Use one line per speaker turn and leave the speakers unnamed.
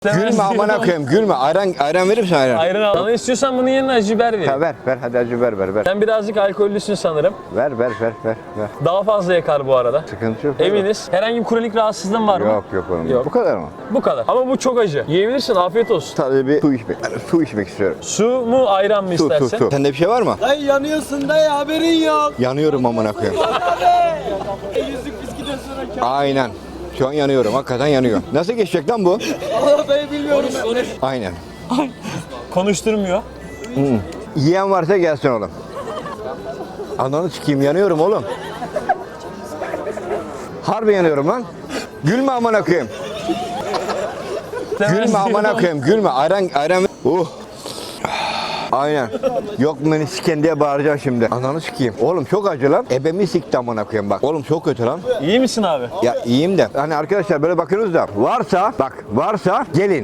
Gülme amına koyayım gülme. Ayran verir misin ayran?
Ayran al. Sana istiyorsan bunun yerine acı biber vereyim.
Ha, ver hadi acı ver.
Sen birazcık alkollüsün sanırım.
Ver.
Daha fazla yakar bu arada.
Sıkıntı yok.
Eminiz. Herhangi bir kronik rahatsızlığın var mı?
Yok oğlum.
Yok.
Bu kadar mı?
Bu kadar. Ama bu çok acı. Yiyebilirsin. Afiyet olsun.
Sadece bir su içmek istiyorum.
Su mu ayran mı istersen?
Su. Sende bir şey var mı?
Dayı yanıyorsun dayı, haberin yok.
Yanıyorum amına koyayım.
Yüzük bisküden sonra
Aynen. Şu an yanıyorum. Hakikaten yanıyor. Nasıl geçecek lan bu?
Allah dayı bilmiyorum.
Aynen.
Konuşturmuyor.
Yiyen varsa gelsin oğlum. Ananı sikeyim yanıyorum oğlum. Harbi yanıyorum lan. Gülme amına koyayım. Gülme amına koyayım. Gülme. Ayran. Aynen. Yok beni siken diye bağıracağım şimdi. Ananı sikeyim. Oğlum çok acı lan. Ebemi sikti amına koyayım bak. Oğlum çok kötü lan.
İyi misin abi?
Ya iyiyim de. Hani arkadaşlar böyle bakıyorsunuz da varsa gelin.